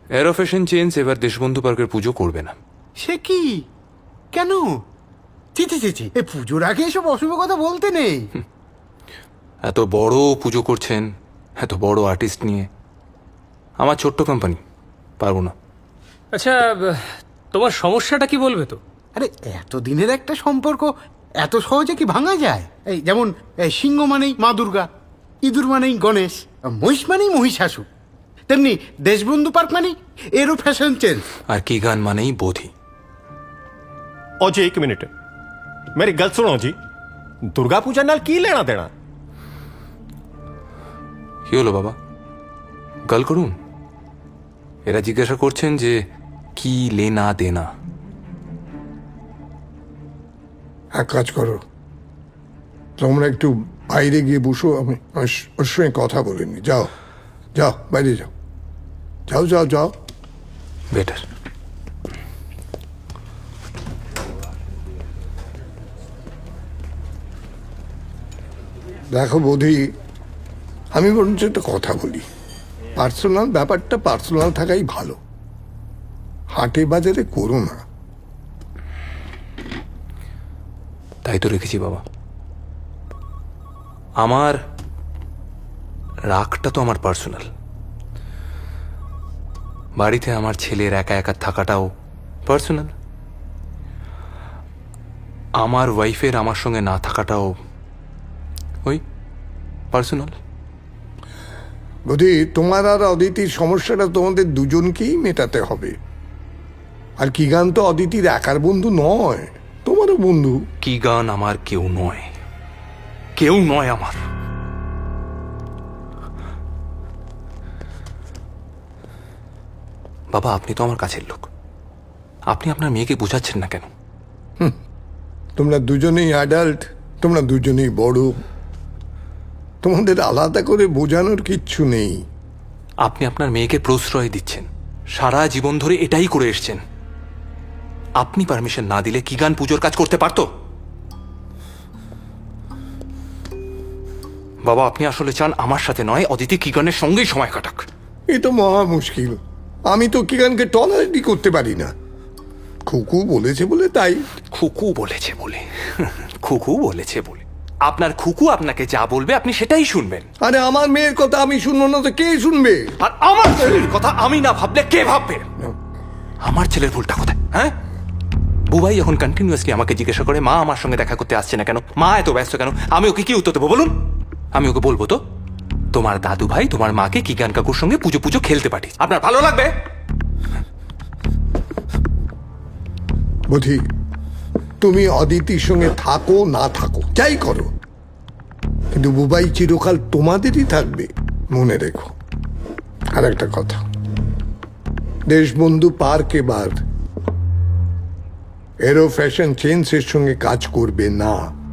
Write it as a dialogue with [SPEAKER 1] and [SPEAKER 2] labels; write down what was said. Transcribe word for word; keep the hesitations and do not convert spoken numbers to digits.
[SPEAKER 1] এরো fashion change এবার দেশবন্ধু পার্কের পুজো করবে না।
[SPEAKER 2] সে কি? কেন? ছি ছি ছি ছি, এই পুজোর আগে এসব অশুভ কথা বলতে নেই।
[SPEAKER 1] এত বড় পুজো করছেন, এত বড় আর্টিস্ট নিয়ে, আমার ছোট্ট কোম্পানি, পারবো না।
[SPEAKER 3] আচ্ছা, তোমার সমস্যাটা কি বলবে তো?
[SPEAKER 2] আরে এত দিনের একটা সম্পর্ক এত সহজে কি ভাঙা যায়? এই যেমন এই সিংহ মানেই মা দুর্গা, ইঁদুর মানেই গণেশ, মহিষ মানেই মহিষাসুর, তেমনি দেশবন্ধু পার্ক মানেই এরও ফ্যাশন চেঞ্জ।
[SPEAKER 1] আর কি গান মানেই বোধি।
[SPEAKER 4] ओ जी एक मिनट, मेरी गल सुनो जी, दुर्गा पूजा नाल की लेना देना?
[SPEAKER 1] কি হলো বাবা, গাল করুন? এরা জিজ্ঞাসা করছেন যে কি লেনা দেনা।
[SPEAKER 5] এক কাজ করো, তোমরা একটু বাইরে গিয়ে বসো, আমি আমি ওর সঙ্গে কথা বলিনি। যাও যাও, বাইরে যাও, যাও যাও যাও।
[SPEAKER 1] বেটার।
[SPEAKER 5] দেখো বোধি, আমি বরঞ্চ একটা কথা বলি, পার্সোনাল ব্যাপারটা পার্সোনাল থাকাই ভালো, হাটে বাজারে করো না।
[SPEAKER 1] তাই তো রেখেছি বাবা। আমার রাগটা তো আমার পার্সোনাল, বাড়িতে আমার ছেলের একা একা থাকাটাও পার্সোনাল, আমার ওয়াইফের আমার সঙ্গে না থাকাটাও ওই পার্সোনাল।
[SPEAKER 5] বোধি, তোমার আর অদিতির সমস্যাটা তোমাদের দুজনকেই মেটাতে হবে। আর কি গান তো অদিতির একার বন্ধু নয়, তোমারও বন্ধু।
[SPEAKER 1] কি গান আমার কেউ নয়, কেউ নয় আমার। বাবা, আপনি তো আমার কাছের লোক, আপনি আপনার মেয়েকে বোঝাচ্ছেন না কেন?
[SPEAKER 5] তোমরা দুজনেই অ্যাডাল্ট, তোমরা দুজনেই বড়, তোমাদের আলাদা করে বোঝানোর কিচ্ছু নেই।
[SPEAKER 1] আপনি আপনার মেয়েকে প্রশ্রয় দিচ্ছেন, সারা জীবন ধরে এটাই করে এসছেন। আপনি পারমিশন না দিলে কি গান পুজোর কাজ করতে পারতো? বাবা, আপনি আসলে চান আমার সাথে নয়, অদিতি কি গানের সঙ্গেই সময় কাটাক।
[SPEAKER 5] এ তো মহা মুশকিল, আমি তো কিগানকে টলারেটই করতে পারি না। খুকু বলেছে বলে তাই।
[SPEAKER 1] খুকু বলেছে বলে খুকু বলেছে বলে আপনার খুকু আপনাকে যা বলবে আপনি সেটাই শুনবেন।
[SPEAKER 5] আরে আমার মেয়ের কথা আমি শুনবো না তো কে শুনবে?
[SPEAKER 1] আর আমার ছেলের কথা আমি না ভাবলে কে ভাববে? আমার ছেলের ভুলটা কোথায়? হ্যাঁ, বুবাই এখন কন্টিনিউয়াসলি আমাকে জিজ্ঞাসা করে মা আমার সঙ্গে দেখা করতে আসছে না কেন, মা এত ব্যস্ত কেন। আমি ওকে কি উত্তর দেবো বলুন? আমি ওকে বলবো তো তোমার দাদু ভাই তোমার মাকে কিগান কাকুর সঙ্গে পুজো পুজো খেলতে পাঠিস, আপনার ভালো লাগবে?
[SPEAKER 5] বুঝি, তুমি অদিতির সঙ্গে থাকো না থাকো যাই করো, কিন্তু বুবাই চিরকাল তোমাদেরই থাকবে, মনে রেখো। আর একটা কথা, দেশবন্ধু পার্ক এবার এরো ফ্যাশন চেঞ্জের সঙ্গে কাজ করবে না।